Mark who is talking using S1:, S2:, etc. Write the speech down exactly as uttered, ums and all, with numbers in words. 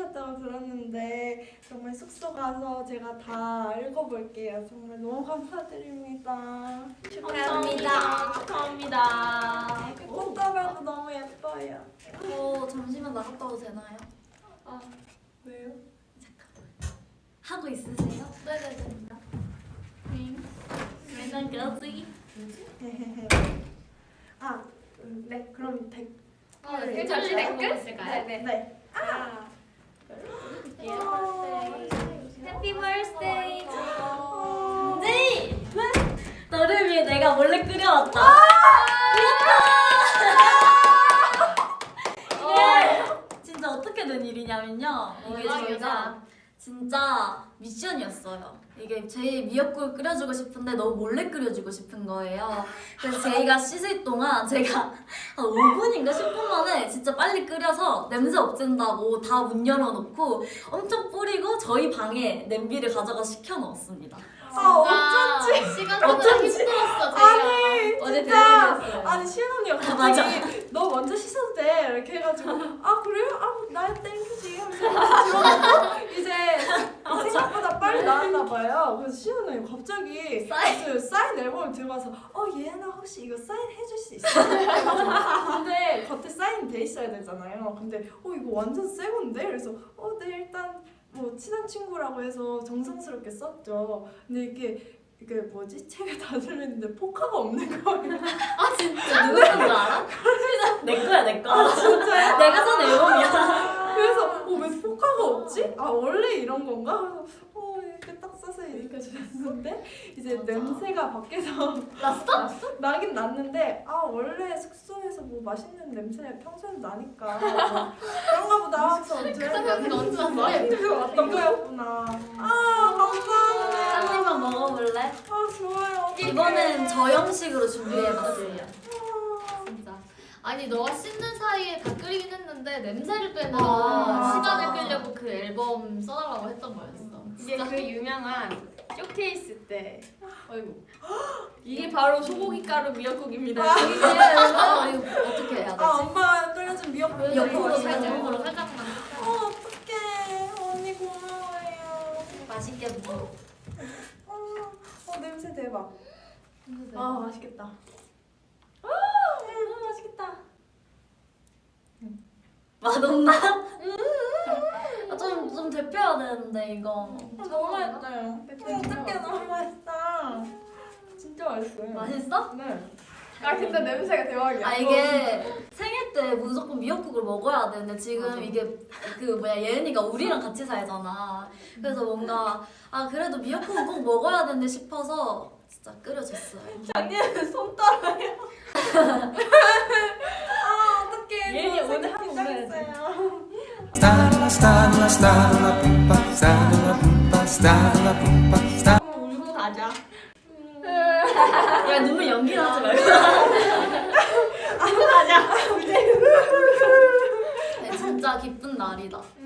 S1: 찍으셨다고 들었는데 정말 숙소 가서 제가 다 읽어볼게요. 정말 너무 감사드립니다.
S2: 감사합니다. 축하합니다.
S1: 꽃다발도 너무 예뻐요.
S2: 어, 잠시만 나갔다 와도 되나요?
S1: 아, 왜요?
S2: 하고 있으세요? 네네네. 맨날 그러지?
S1: 아, 네, 그럼 댓
S3: 어,
S1: 네,
S3: 댓글
S1: 댓글?
S3: 댓글 있을까요?
S1: 네, 네.
S3: 아.
S2: 해피 버스데이.
S1: 어,
S2: 네. 너를 위해 내가 몰래 끓여왔다. 이게 진짜 어떻게 된 일이냐면요. 이게
S3: 대박이다.
S2: 저희가 진짜 미션이었어요. 이게 제 미역국을 끓여주고 싶은데 너무 몰래 끓여주고 싶은 거예요. 그래서 저희가 씻을 동안 제가 한 오 분인가 십 분 만에 진짜 빨리 끓여서 냄새 없앤다고 다 문 열어놓고 엄청 뿌리고 저희 방에 냄비를 가져가 식혀 넣었습니다.
S1: 아,
S3: 어쩐지 시간
S2: 어쩐지.
S3: 보다 힘들었어 저희가.
S1: 아니,
S2: 어제
S1: 진짜.
S2: 대박이었어요.
S1: 아니, 시은 언니가
S2: 맞아.
S1: 갑자기 너 먼저 씻어도 돼 이렇게 해가지고 아 그래요? 아 나야 땡큐지 하면서 들어가고 이제 생각보다 빨리 나왔나 봐요. 그래서 시은 언니 갑자기
S2: 사인.
S1: 그 사인 앨범을 들고 와서 어 예나 혹시 이거 사인 해줄 수 있어? 근데 겉에 사인 돼 있어야 되잖아요. 근데 어 이거 완전 새 건데? 그래서 어 네 일단 뭐 친한 친구라고 해서 정성스럽게 썼죠. 근데 이게 이게 뭐지? 책을 다 들렸는데 포카가 없는 거예요.
S2: 아 진짜 누구 건줄 알아? 내 거야 내 거.
S1: 아 진짜요?
S2: 내가 산 앨범이야.
S1: 그래서 어, 왜 포카가 없지? 아 원래 이런 건가? 그래서 어 이렇게 딱 써서 이렇게 줬는데 이제
S2: 맞아.
S1: 냄새가 밖에서
S2: 났어?
S1: 나긴 났는데 아 원래 숙소에서 뭐 맛있는 냄새 평소에도 나니까 뭐 그런가 보다 하면서
S3: 그 냄새가 언제 났어?
S1: 냄새가 왔던 거였구나. 아 감사합니다.
S2: 한 입만 먹어볼래?
S1: 아 좋아요. 어떡해.
S2: 이번엔 저 형식으로 준비해봤어요.
S1: 아,
S3: 진짜. 아니 너가 씻는 사이에 다 끓이긴 했는데 냄새를 빼느라
S2: 아,
S3: 시간을
S2: 맞아.
S3: 끌려고 그 앨범 써달라고 했던 거였어.
S4: 이게
S3: 진짜.
S4: 그 유명한 쇼케이스 때 어이구 이게 바로 소고기 가루 미역국입니다.
S2: 이게 어, 이거 어떻게 해야
S1: 아
S2: 되지?
S1: 엄마 끓여준 미역국
S2: 옆으로
S1: 살짝
S2: 살짝.
S3: 옆으로 살짝만.
S1: 어 어떡해 언니 고마워요.
S2: 맛있게 먹어.
S1: 어, 어 냄새 대박. 아 맛있겠다. 아 음, 맛있겠다.
S2: 맛없나? 아, 좀, 좀 데펴야 되는데 이거.
S1: 아, 너무 맛있어요. 어떡해 너무 맛있다. 진짜 맛있어요.
S2: 맛있어?
S1: 네.
S4: 아 근데 냄새가 대박이야.
S2: 아 이게 생일 때 무조건 미역국을 먹어야 되는데 지금
S3: 맞아.
S2: 이게 그 뭐야 예은이가 우리랑 같이 살잖아. 그래서 뭔가 아 그래도 미역국은 꼭 먹어야 되는데 싶어서 진짜 끓여줬어요.
S1: 작년에 손 떨어요. 아 어떡해.
S4: 예은이
S1: 저
S4: 오늘
S1: 생각
S4: 한번 먹어야지.
S1: 긴장했어요.
S5: Stalla, stalla, stalla, pumpa, stalla, pumpa, stalla, pumpa, stalla.
S4: 한번 울고 가자.
S2: 야 눈물 연기 나지 말고.
S4: 가자.
S2: 네, 진짜 기쁜 날이다.